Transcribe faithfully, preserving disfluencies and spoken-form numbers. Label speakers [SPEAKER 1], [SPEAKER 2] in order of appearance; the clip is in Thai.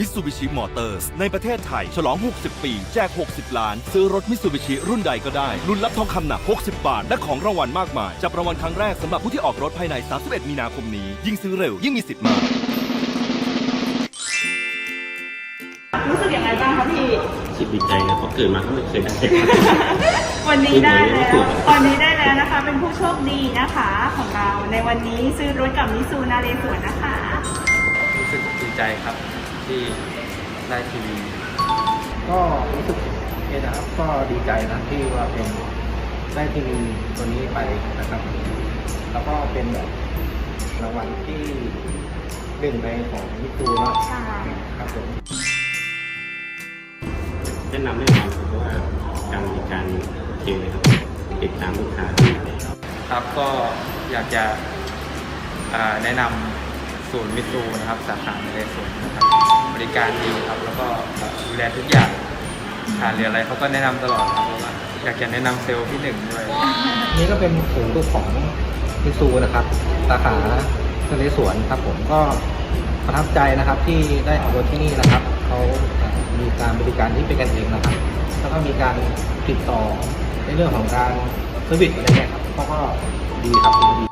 [SPEAKER 1] Mitsubishi Motors ในประเทศไทยฉลอง หกสิบ ปี แจก หกสิบ ล้าน ซื้อรถ Mitsubishi รุ่นใดก็ได้ ลุ้นรับทองคำหนัก หกสิบ บาท และของรางวัลมากมาย จับรางวัลครั้งแรกสำหรับผู้ที่ออกรถภายใน สามสิบเอ็ด มีนาคมนี้ ยิ่งซื้อเร็ว ยิ่งมีสิทธิ์มาก
[SPEAKER 2] รู้สึกยังไงบ้างคะพี่
[SPEAKER 3] รู้สึกดีใจนะเพราะเกิดมาก็ไม่เคยได้
[SPEAKER 2] วันนี้ได้แล้ววันนี้ได้แล้วนะคะ เป็นผู้โชคดีนะคะของเราในวันนี้ซื้อรถกับมิซูนาเรศวรนะคะ
[SPEAKER 4] รู้สึกดีใจครับที่ได้ทีวี
[SPEAKER 5] ก็รู้สึกโอเคนะครับก็ดีใจนะที่ว่าเป็นได้ทีวีตัวนี้ไปนะครับ แล้วก็เป็นแบบรางวัลที่หนึ่งในของมิตูเนาะ
[SPEAKER 2] ใช่
[SPEAKER 5] ครับผม
[SPEAKER 3] แนะนำแน่นอนเพราะว่าการบริการโอเคเลยครับติดตามลูกค้า
[SPEAKER 4] ครับก็อยากจะอ่าแนะนำศูนย์มิตซูนะครับสาขาในสวนนะครับบริการดีครับแล้วก็ดูแลทุกอย่างขาดเหลืออะไรเขาก็แนะนำตลอดครับเพราะว่าอยากจะแนะนำเซลล์พี่หนึ่งด้วย
[SPEAKER 5] นี่ก็เป็นศูนย์ลูกของมิตูนะครับสาขาทะเลสวนครับผมก็ประทับใจนะครับที่ได้เอารถที่นี่นะครับเขาอ่ามีการบริการที่เป็นกันเองนะครับ แล้วก็มีการติดต่อในเรื่องของการเซอร์วิสอะไรเงี้ยครับเขาก็ดีครับดี